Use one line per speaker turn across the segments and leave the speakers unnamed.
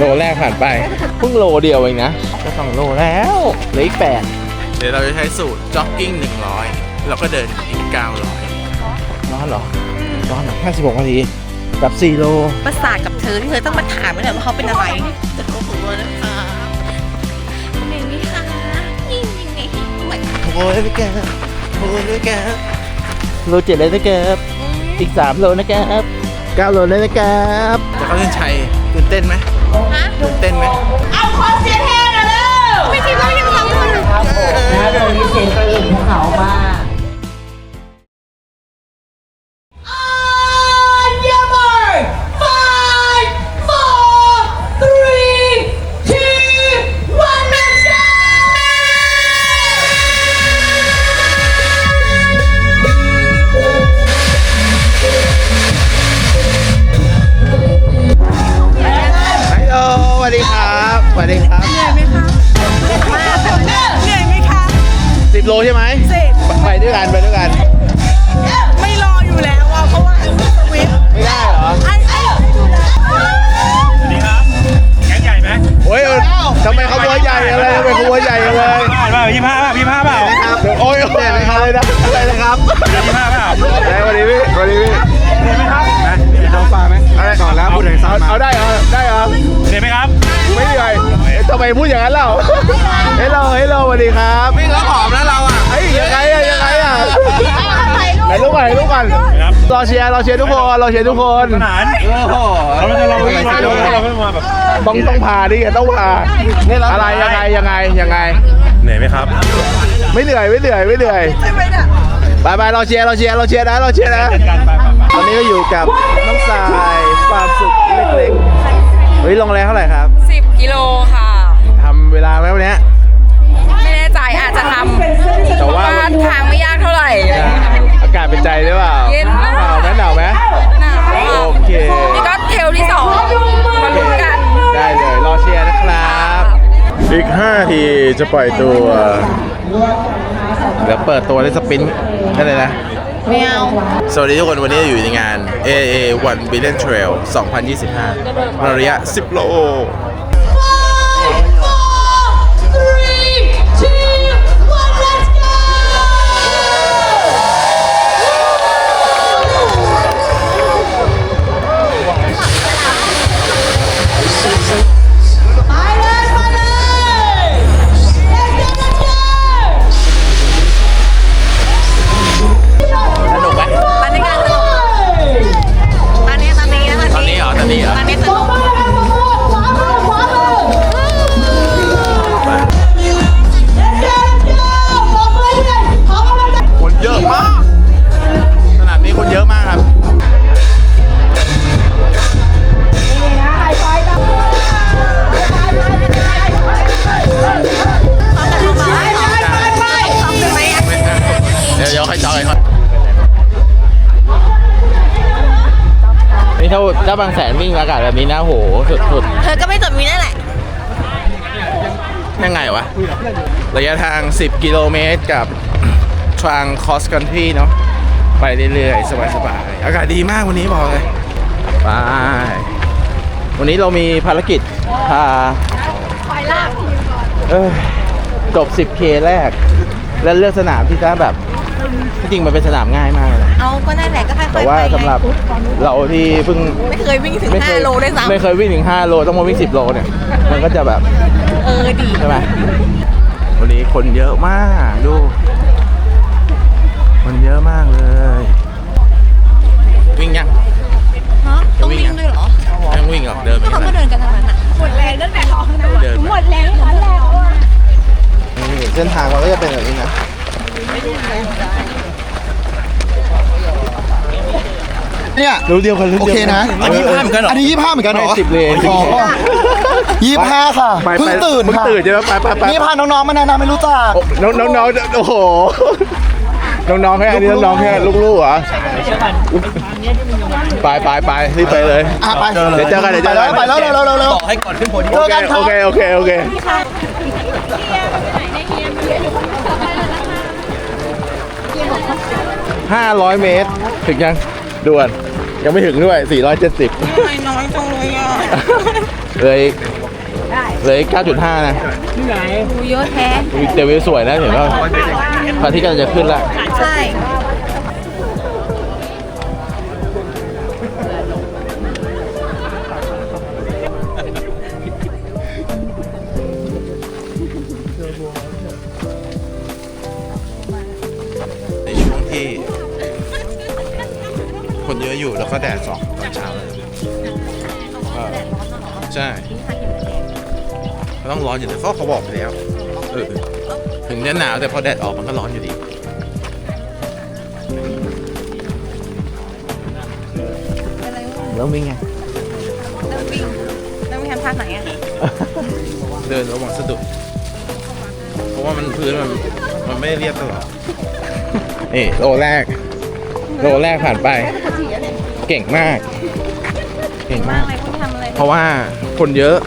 โลแรกผ่านไปเพิ่งโลเดียวเองนะจะ2 โลแล้วเหลืออีก8เดี๋ยวเราจะใช้สูตรจ็อกกิ้ง100แล้วก็เดินอีก900ร้อนเหรอร้อน56 นาทีกับ4 โล
ประสาทกับเธอที่เธอต้องมาถามไม่ได้ว่าเขาเป็นอะไรจะโกหกเลยนะคะเหนื่อยไหมคะยิ่งยังไง
โอ้ยนะแกโอ้ยนะแกโล7เลยนะแกอีก3 โลนะแก9 โลเลยนะแกจะเข้าเส้นชัยตื่นเต้นไหมตื่นเต้นไหม
เอาคนเสียแทนเร็วไม่คิดว่ายังทำคน
ครับผมนะโดยมีเสียงกระหึ่มของเขามาก
สวัสดีครับสวัสดีครับ
เหนื่อยไหมคะมากเหนื่อยไหมคะ
10 โลใช่ไหม10ไปด้วยกัน
ไม่รออยู่แล้วอ่ะเพราะว่าสวิต
ไม่ได้เหรอ
ไอ้ดูแล
สวัสดีครับแก๊งใหญ่ไหม
โอ้ยทำไมขบวนใหญ่อะไรทำไมขบวนใหญ่เลย
เปล่า25เปล่า
โอ้ยอะไรนะครับ
25เปล่า
สวัสดีพี่
เห็นไหมครับนะเห็นท้องฟ้าไหมก่อนแล้วพูดถึงซ้ำมา
เอาได้เหรอ
เห็นไหมครับ
ไม่เหนื่อยทำไมพูดอย่างนั้นเล่าเฮ้ยเราสวัสดีครับวิ่งแล้วผอมนะเราอ่ะเฮ้ยยังไงอ่ะไหนลูกก่อนรอเชียร์ทุกคน
สนานเราไม่เราไม่มาแบบ
ต้องพาดิต้องพาอะไรยังไง
เหนื่อยไหมครับ
ไม่เหนื่อยไปรอเชียร์นะตอนนี้ก็อยู่กับน้องสายความสุขเล็กๆเฮ้ยลงแรงเท่าไหร่ครับ
10 กิโลค่ะ
ทำเวลาไหมวันนี้
ไม่แน่ใจอาจจะทำ
แต่ว่า
ทางไม่ยากเท่าไหร่
อากาศเป็นใจหรือเปล่า
เย็นมาก
หนาวไหมโอเค
นี่ก็เทลที่2มาลุ้นกัน
ได้เลยรอเชียร์นะครับอีก5 ทีจะปล่อยตัวเดี๋ยวเปิดตัวได้สปินได้เลยนะ
ไม่เอา
สวัสดีทุกคนวันนี้อยู่ในงาน AA 1 Billion Trail 2025ระยะ10 โลถ้าบางแสนวิ่งอากาศแบบนี้นะโหสุด
เธอก็ไม่จบมีนั่นแหละ
ยังไงวะระยะทาง10 กิโลเมตรกับทางคอสคันทรีเนาะไปเรื่อยๆสบายๆอากาศดีมากวันนี้บอกเลยไปวันนี้เรามีภารกิจพาจบ 10K แรกแล้วเลือกสนามที่จะแบบจริงมันเป็นสนามง่ายมากเลย
เอาก็นั่นแหละก็ค่อยๆ
แต่ว่าสำหรับเราที่เพิ่ง
ไม่เคยวิ่งถึง5 โลได้ซ้ำ
ไม่เคยวิ่งถึง5 โลต้องมาวิ่ง10 โลเนี่ยมันก็จะแบบ
ดี
ใช่ไหมวันนี้คนเยอะมากดูคนเยอะมากเลยวิ่งยัง
ต้องวิ่งด้วยเหรอ
ยังวิ่งเหรอเดิน
เขาก็เดินกันทั้งนั้นอ่ะหมดแรงตั้งแต่ท้องนะหมดแรงทั้งแล้ว
เส้นทางมันก็จะเป็นแบบนี้นะ
เนี่ย
รู้เดียวกัน
โอเคนะ
อันนี้25เหมือนกันเหรอ
อันนี้25เหมือนกันเหรอ
10 เลน
25ค่ะเพิ่งตื่นค่ะ
ใช่ไหมไป
นี่พาน้องๆมาแนะนำไม่รู้จัก
น้องโอ้โหน้องๆแค่อันนี้น้องๆแค่ลูกๆเหรอไปรีบไปเลย
ไป
เดี๋ยวเจอกัน
ไปแล้ว
บอกให้ก่อนขึ้นโพเดียม
โอเค500 เมตรถึงยังด่วนยังไม่ถึงด้วย470
น้อยจังเลยอ่ะ
เลย 9.5 นะ
ดูเยอะแท้
เดี๋ยววิวสวยนะเห็นว่าพระอาทิตย์กำลังจะขึ้นละ
ใช่
ในช่วงที่ คนเยอะอยู่แล้วก็แดดส่องตอนเช้าเลยใช่มันต้องร้อนอยู่แต่เขาบอกไปแล้วถึงจะหนาวแต่พอแดดออกมันก็ร้อนอยู่ดี
อะไรวะ
แล้ววิ่งไง
แล้ววิ่งทำท่าไหนอ่ะ
เดินระวังสะดุดเพราะว่ามันพื้นมันไม่เรียบตลอดนี่โลแรกผ่านไป เก่งมาก เก่งมาก
อะไรพวกนี้ทำอะไร
เพราะว่าคนเยอะ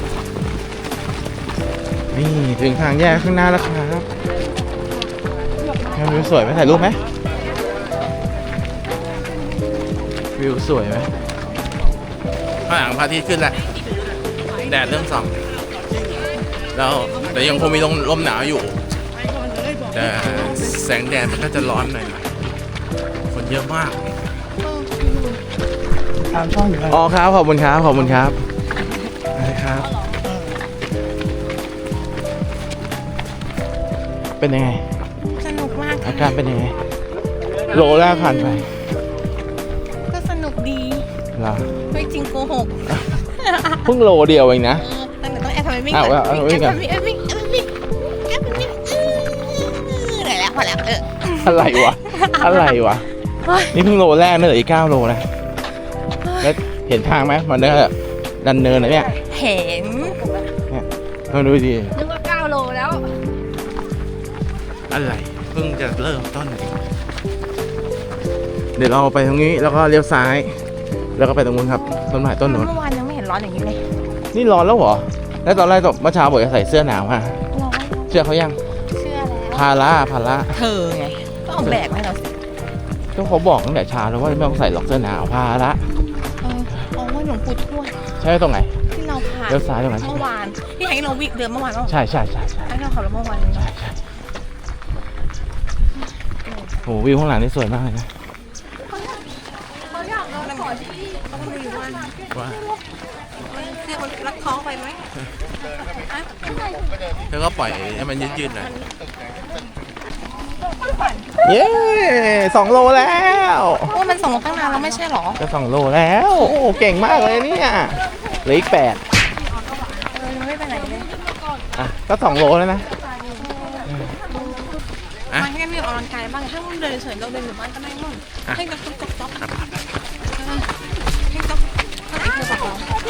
นี่ถึงทางแยกข้างหน้าแล้วครับวิวสวยไหมถ่ายรูปไหมวิวสวยไหมข้างหลังพระอาทิตย์ขึ้นแล้วแดดเริ่มส่องแล้วแต่ยังคงมีลมหนาวอยู่ แต่แสงแดดมันก็จะร้อนหน่อยคนเยอะมากอ๋อครับขอบคุณครับขอบคุณครับครับ เป็นยังไง
สนุกมาก
อาการเป็นยังไงโลแรกผ่านไป
ก็สนุกดี
เหรอ
ไม่จริงโกหก
เพิ่งโลเดียวเองนะ
ตั้งแต่ต้องแอบทำไมวิ่ง
เอา
ก่อน
เอาวิ่งก่อน
แอบวิ่งเหนื่อยแล้วพอแล้ว
อะไรวะนี่เพิ่งโลแรกเนอะอีก 9 โลนะแล้วเห็นทางไหมมันเนี่ยดันเนินนะเนี่ย
เห็น
มาดูดิ
นึกว่า9 โลแล้ว
อะไรเพิ่งจะเริ่มต้นเองเดี๋ยวเราไปตรงนี้แล้วก็เลี้ยวซ้าย แล้วก็ไปตรงนู้นครับต้นไม้ต้นนู้น
เมื่อวานยังไม่เห็นร้อนอย่างนี้เลย
นี่ร้อนแล้วเหรอแล้วตอนแรกเมื่อเช้าบอกจะใส่เสื้อหนาวมา
ร้อน
เชื่อเขายัง
เชื่อแล้ว
พาระ
เธอไงก็เอาแบกมาให้เราสิ
ก็เขาบอกตั้งแต่เช้าแล้วว่าไม่ต้องใส่หรอกเสื้อหนาวพาระ
อ๋อว่าหลวงปู่ทวด
ใช่ตรงไหน
ที่เราผ่าน
เลี้ยวซ้ายตรงไหน
เมื่อวานที่ให้เราวิ่งเดินเมื่อวานว่า
ใช่
ให้เราขับรถเมื่อวานนี้
โหวิวข้างหลังนี่สวยมากเลยนะ
เขาอยากเราขอที่เขาไม่รู้ว่า
ว่า
เสื้อมันรักท้องไปไหม
เธอก็ปล่อยให้มันยืดๆหน่อยเย้2 โลแล้ว
ว่ามันส่งมาตั้งนานแล้วไม่ใช่หรอ
จะ2 โลแล้วโอ้เก่งมากเลยเนี่ยเหลืออีก 8
มันไม่ไปไหนเลย
อ่ะก็2 โลแล้วนะ
มันแค่มีออกกำลังกายบ้างถ้ามึงเดินเฉยเราเดินอยู่บ้านก็ได้มั่งให้กับจ๊อกจ๊อกให้จ๊อกให้เธอบอกเรา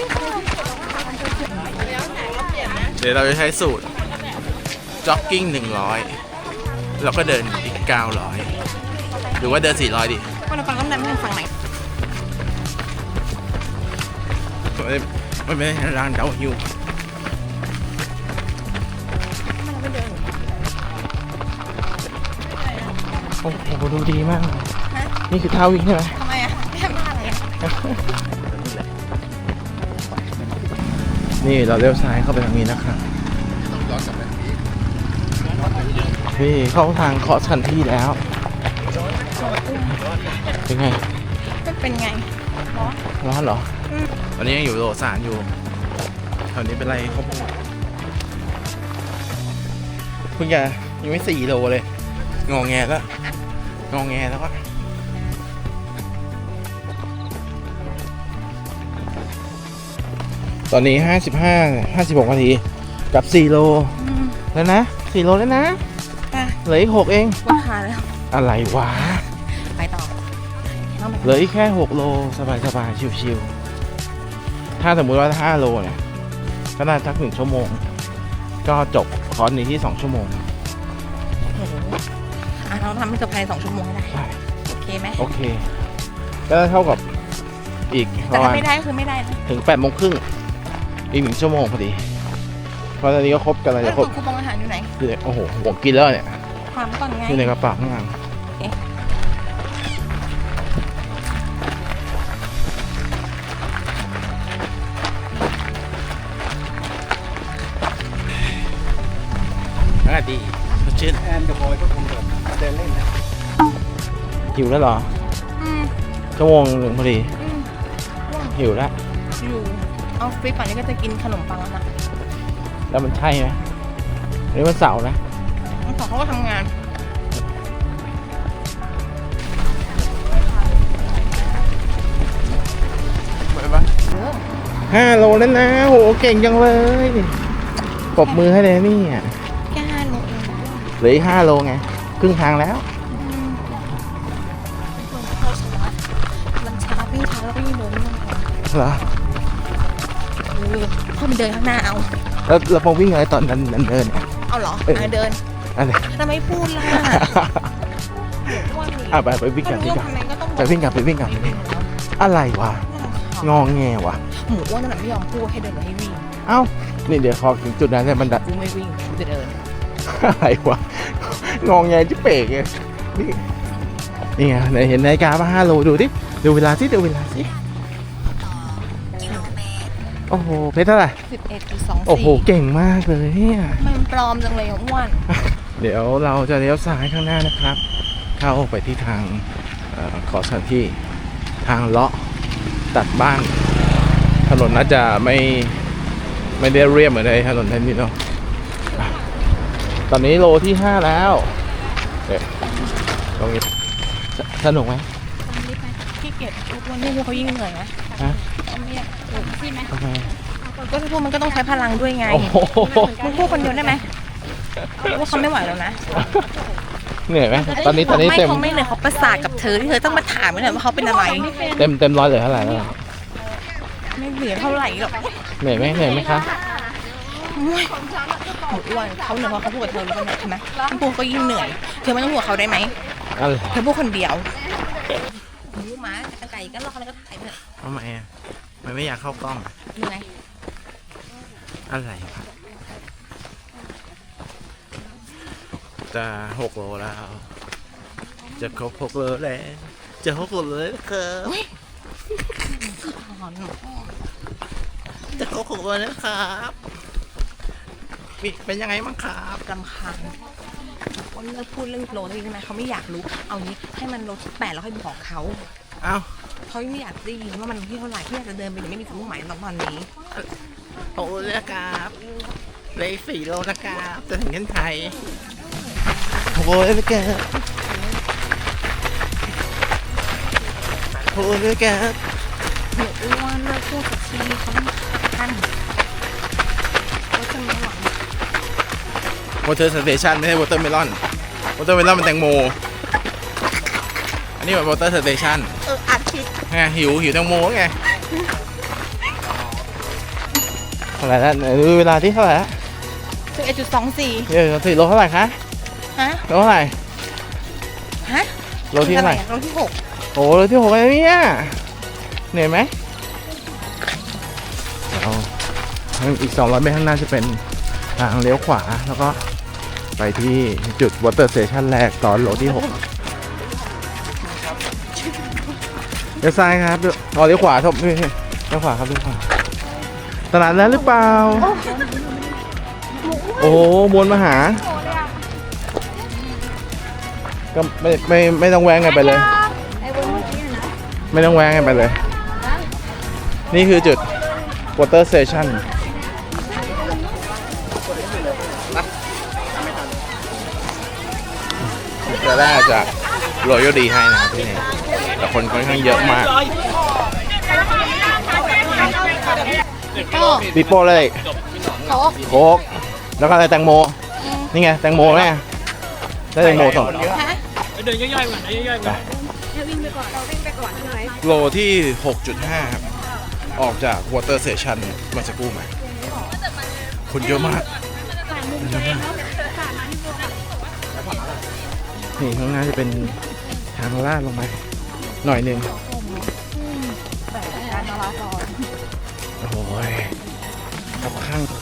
เดี๋ยวเราจะใช้สูตรจ็อกกิ้ง100แล้วก็เดินอีก 900หรือว่าเดิน400ดิ
ว่าเราฟังต้องเดินไปฝั่งไหน
มันไม่ได้ร้านเดาฮิวโอ้โหดูดีมากนี่คือท่าวิ่งใช่ไหม
ทำไมอ่ะไม่ทำท่าอะไรอ่ะ
นี่เราเลี้ยวซ้ายเข้าไปทางนี้นะครับนี่เข้าทางคอสคันที่แล้ว เป็นไง
มันเป็นไง
ร้อนเหรอ ตอนนี้ยังอยู่โลสานอยู่แถวนี้เป็นไรเขาพูดคุณยายังไม่4 โลเลยงอแงแล้วอะตอนนี้56 นาทีกับ4 โลแล้วนะ4 โลแล้วนะเหลืออีก 6 เอง
ว่าขาแล้ว
อะไรวะ
ไปต่อ
เหลืออีกแค่ 6 โลสบายๆชิวๆถ้าสมมุติว่า5 โลเนี่ยก็น่าสัก1 ชั่วโมงก็จบคอร์สนี้ที่2 ชั่วโมง
เราทำให้เกือบภายใน2 ชั่วโมงให้ได้
ใช่
โอเคไหม
โอเคก็เท่ากับอีกป
แต่
ระมา
ถ้า
ณ
ไม่ได้คือไม่ได้นะ
ถึง8 โมงครึ่งอีก1 ชั่วโมงพอดีเพราะตอนนี้ก็ครบกันเลย
แล้ว
จะครบ
คูปองอาหารอยู่ไหน
อยู่ในโอ้โหผมกินแล้วเนี่ย
ถามก่อนไง
อยู่ในกระเป๋าข้างหลังศดีสดชื่น
แอนกับบอยก็คงแบบเดินเล่นนะ
หิวแล้วเหรอ ชั่วโมงหนึ่งพอดี หิวแล้ว
อยู่ออฟฟิศป่านนี้ก็จะกินขนมปังแล้วนะ
แล้วมันใช่ไหมอันนี้มันเสาร์นะ
น้องสองเขาก็ทำงาน
ไปปะ5 โลแล้วนะโหเก่งจังเลยปรบมือให้เลยนี่อ่ะ
แค่5 โลเอง
เหลืออีก5 โลไง ครึ่งทางแล้ว
มันช้าวิ่งช้าแล้วก็ยิ่งเดินไม่ได้
เหรอ
เข้าไปเดินข้างหน้าเอา
แล้วเราพอวิ่งอะไรตอนนั้นเดินเนี่ย
เอาเหรอเดิน
อะไร
ทำไมพูดล่ะ
ไปวิ่งกลับ
ถ้า
วิ่ง
รู้
กลับ
ทำไมก็ต้อง
ไปวิ่งกลับไปวิ่งกลับอะไรวะ งองแงวะ
หมูอ้วนนั่นแหละไม่ยอมพูดให้เดินมาให้วิ่ง
เอ้า นี่เดี๋ยวพอถึงจุดนั้นเนี่ยมัน
กูไม่วิ่งกูจะเดิน
อะไรวะ งองแงจิเป๋กไงนี่ไงไหนเห็นนาฬิกาป่ะ5 โลดูดิ ดูเวลาสิดูเวลาสิโอ้โห เพชรเท่าไหร่
11.24
โอ้โห เก่งมากเลยเนี่ย
มันปลอมจังเลยอ่ะอ้วน
เดี๋ยวเราจะเลี้ยวซ้ายข้างหน้านะครับ เข้าไปที่ทางขอสถานที่ทางเลาะตัดบ้าน ถนนน่าจะไม่ได้เรียบเหมือนในถนนเทนนิสเนาะอ่ะตอนนี้โลที่ 5 แล้วเดี๋ยวตรงนี้สนุกไหม
ขี้เกียจทุกวันนี้เขายิ่งเหนื่อยนะ
ฮะ
ไม่อยากพูดไหม
ทำไม
ก็พูดมันก็ต้องใช้พลังด้วยไง
โอ้โห
มึงพูดคนเดียวได้ไหมว่าเขาไม่ไหวแล้วนะ
เหนื่อยไหมตอนนี้เต็ม
เขาไม่เหนื่อยเขาประสาทกับเธอที่เธอต้องมาถามหน่อยว่าเขาเป็นอะไร
เต็มร้อยเหลือเท่าไหร่แล้ว
ไม่เหลือเท่าไหร่หรอก
เหนื่อยไหมคะ
หมูอ้วนเขาเหนื่อยเพราะเขาพูดกับเธอรู้ป่ะใช่ไหมพูดก็ยิ่งเหนื่อยเธอไม่ต้องห่วงเขาได้ไหม
อะไร
เธอพูดคนเดียวรู้ไหมไก่ก็รอแล้วก็ถ่ายเถอะ
ทำไมอ่ะมันไม่อยากเข้ากล้องอะ
เหนื่อย
อะไรวะจะ6 โลแล้ว จะครบ6 โลแล้วจะ6 โลแล้วครับ
หอน
จะครบ6 โลแล้วครับเป็นยังไงบ้างครับ
รำคาญว่าเลิกพูดเรื่องโลแล้วใช่ไหมเขาไม่อยากรู้เอางี้ให้มันโลที่8แล้วค่อยบอกเขา
เอ้า
เขาไม่อยากได้ยินว่ามันที่เท่าไหร่ที่อยากจะเดินไปยังไม่มีความมุ่งหมายตอนนี้
6 โลแล้วครับเหลย4 โลนะครับจะถึงเส้นชัย6 โลแล้วครับ6 โลแล้วครับ
หนูอ้วนเลิกพูดกับทีเขาต้องท่านเขาจะไม่หวัง
วอเตอร์สเตชันไม่ใช่วอเตอร์เมลอนวอเตอร์เมลอนมันแตงโมอันนี้แบบวอเตอร์สเตชัน
อาทิตย์
ไงหิวแตงโมไงเท่าไหร่แล้วดูเวลาที่เท่าไหร่แล้ว
11.24
เดี๋ยว4 โลเท่าไหร่คะ
ฮะ
โลเท่าไหร่
ฮะ
โลที่เท่าไหร่
โลที่6
โอ้โลที่6แล้วเนี่ยเหนื่อยไหมเอาอีก200 เมตรข้างหน้าจะเป็นทางเลี้ยวขวาแล้วก็ไปที่จุดวอเตอร์สเตชันแรกตอนโลที่6เลี้ยวซ้ายครับเลี้ยวขวาครับเลี้ยวขวาครับเลี้ยวขวาตลาดแล้วหรือเปล่าโอ้โหมวลมหาก็ไม่ต้องแวงกันไปเลยไม่ต้องแวงกันไปเลย นี่คือจุด water station จะได้จาก Royal D ให้นะครับที่นี่แต่คนค่อนข้างเยอะมากปิโป้เลยโค้กแล้วก็อะไรแตงโม นี่ไงแตงโมแม่ได้แตงโมสอง
เดินย่อยๆก่อนย่อยๆก่อน
โลที่ 6.5 ครับ ออกจาก Water Station มาสักครู่มาคนเยอะมากนี่ข้างหน้าจะเป็นทางลาดลงไปหน่อยหนึ่งโอ้ยกับข้าง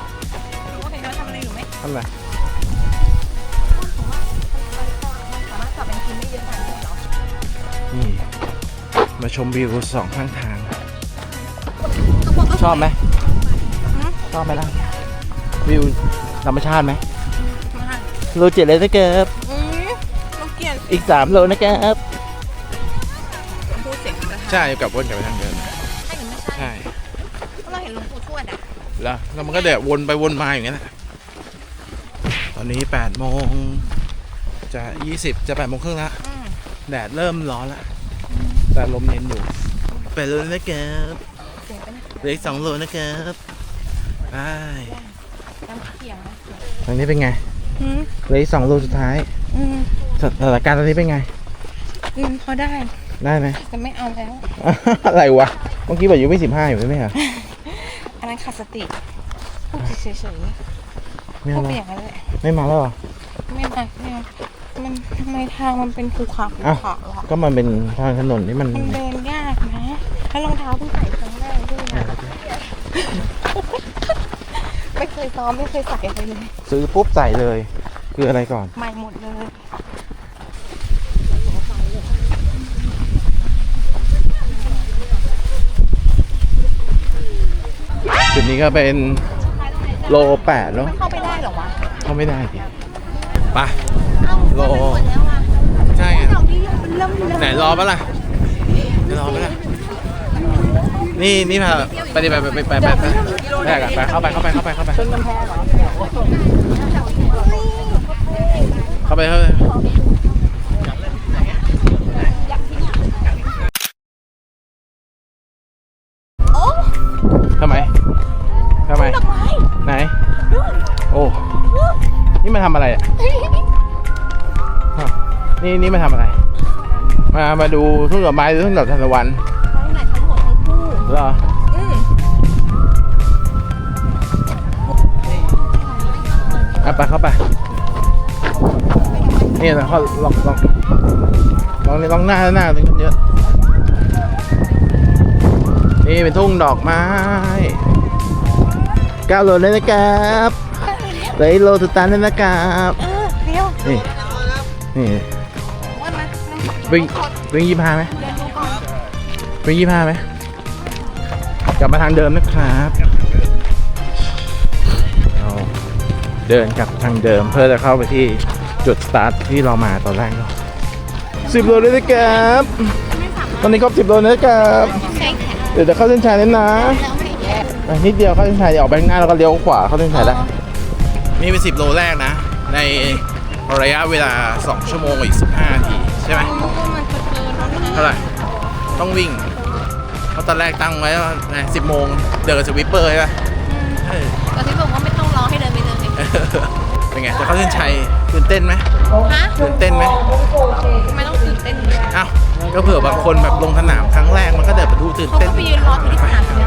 ทำอะไร
สามารถไปศัพท์เป็นทีมไม่เยอะขนาดนี้เหรอ
นี่มาชมวิวสองข้างทาง ชอบไหมชอบไหมล่ะวิวธรรมชาติไหมโล7เลยนะครับ
ต้องเกลียด
อีก3 โลนะครับ
พูดเสียงกระทะ
ใช่กลับวนกลับไปทางเดิม
ใช่หรือไม่ใช่
ใช่
เพราะเราเห็นหลวงปู่ทวดอ่ะ
แล้วมันก็เดี๋ยววนไปวนมาอย่างนี้แหละตอนนี้8 โมงจะ20จะ8 โมงครึ่งละแดดเริ่มร้อนละแต่ลมเย็นอยู่ไปเลยนะครับ
เสียงเป็น
เหลืออีก2 โลนะครับไป
น้ำเขียงนะ
ทางนี้เป็นไง
อืม
เหลืออีก2 โลสุดท้าย
อืม
สถานการณ์ตอนนี้เป็นไง
พอได้
ได้ไหม
แต่ไม่เอาแล้ว
อะไรวะ เมื่อกี้บอกอยู่ไม่15อยู่ใช่ไหมคะ
อันนั้นขาดสติพูดเฉย
ไม่
ๆพู
เอา
ดไป
แล้ว
อย่างนั้นแหละ
ไม่มาแล้วเหรอ
ไม่ได้ไม่เอามันทำไมทางมันเป็นภูเขาภู
อ้าว
เขาหรอ
ก็มันเป็นทางถนนที่มัน
มันเดินยากนะแล้วรองเท้าเพิ่งใส่ครั้งแรกด้วยนะไม่เคยซ้อมไม่เคยใส่อะไรเลย
ซื้อปุ๊บใส่เลย คืออะไรก่อน
ใหม่หมดเลย
จุดนี้ก็เป็นโล8แล้ว
มันเข้าไปได้เหรอวะ
เข้าไม่ได้ดิไป
เอ้า
โล
มันหมดแล้วอ่ะ
ใช่ไง
ดอกนี้มันเริ่ม
ไหนรอปะล่ะไม่รอปะล่ะนี่พาไปดิไปกันไปเข้าไปเข้าไป
โอ้
ทำไม
ดอกไม้
ไหนโอ้นี่มาทำอะไรอ่ะฮะนี่มาทำอะไร มาดูทุ่งดอกไม้หรือทุ่งดอกทานตะวัน
ทั้งไหนทั้งหมดทั้งคู่
เหรอ ไปเข้าไปนี่นะเขาลองหน้าตรงนี้เยอะนี่เป็นทุ่งดอกไม้9 โลเลยนะครับเหลือโลสุดท้ายเลยนะครับ
เดี๋ยว
นี่
ว่ามา
วิ่ง25ไหม
เดินดูก่อน
วิ่ง25ไหมกลับมาทางเดิมนะครับเราเดินกลับทางเดิมเพื่อจะเข้าไปที่จุดสตาร์ทที่เรามาตอนแรกเนาะ10 โลเลยนะครับตอนนี้ครบ10 โลนะครับ
ใช่ค่ะ
เดี๋ยวจะเข้าเส้นชัยแล้วนะ
แล้วไม่แย่
นิดเดียวเข้าเส้นชัยเดี๋ยวออกไปข้างหน้าแล้วก็เลี้ยวขวาเข้าเส้นชัยได้นี่เป็น10 โลแรกนะในระยะเวลา2 ชั่วโมงอีก15 นาทีใช่ไหม
มันจะเกินแล้วนะ
เท่าไหร่ต้องวิ่งเพราะตอนแรกตั้งไว้ว่า10 โมงเดินกับสวิปเปอร์ใช่ปะเออ
ตอนที่บอกว่าไม่ต้องรอให้เดินไปเลย
เป็นไงจะเข้าเส้นชัยตื่นเต้นไหม
ฮะ
ตื่นเต้นไหม
ทำไมต้องตื่นเต้น
อ้าวก็เผื่อบางคนแบบลงสนามครั้งแรกมันก็เดินไปดูตื่น
เขา
เต้น
ก็ไปยืนรอที่สนามบิน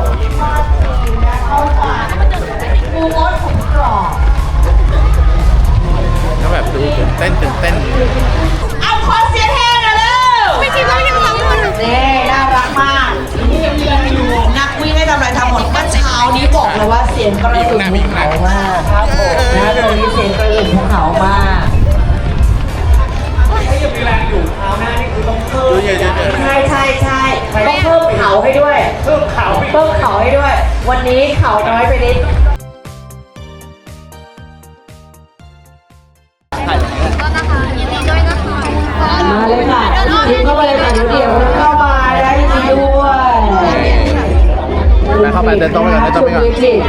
ก็แบบดูตื่นเต้น
เอาขอเสียงแห้งหน่อยเร็ว
ไม่คิดว่ายังร้องมัน
เน่น่ารักมากนักวิ่งให้ทำอะไรทำหมดเมื่อเช้านี้บอกเลยว่าเสียงกระหึ่มภูเขามากครับผมนะตรงนี้เสียงกระหึ่มภูเขามาก
ดูเยอะๆ
ใช่ต้องเพิ่มเขาให้ด้วยเพิ่มเขาให้ด้วย วันนี้เขาน้อยไปนิด
ก็นะคะยินดีด้วยนะคะ
มาเลยค่ะยิงเข้าไปเลยค่ะเดี๋ยวเข้ามาได้ยินดีด้วย
ไปเข้าไปเดินตรงไปก่อนเดินตรงไปก่อน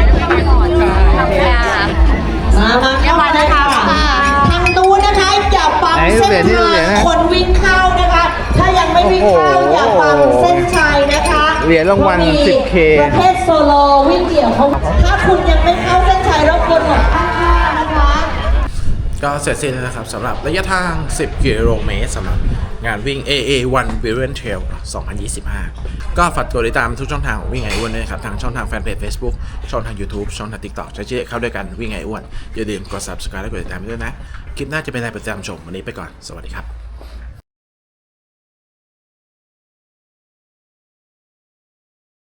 มาเข้ามานะคะทางนู้นนะคะอย่าปังเส้นทางคนวิ่งเข้านะคะ ถ้ายังไม่วิ่งเข้าอย่าปังเส้นชัยนะคะ
เหรียญรางวัล 10K
ประเภทโซโลวิ่งเดี่ยวเขาถ้าคุณยังไม่เข้าเส้นชัยรบกวนหมดข้างๆนะคะ
ก็เสร็จสิ้นแล้วนะครับสำหรับระยะทาง 10 กิโลเมตรสำหรับงานวิ่ง AA1 Brilliant Trail 2025 ก็ฝากตัวติดตามทุกช่องทางของวิ่งไออ้วนด้วยนะครับทางช่องทางแฟนเพจ Facebook ช่องทาง YouTube ช่องทาง TikTok จะเข้าด้วยกันวิ่งไออ้วนอย่าลืมกด Subscribe และกดติดตามด้วยนะ คลิปหน้าจะเป็นอะไรประจำชมวันนี้ไปก่อน สวัสดีครับ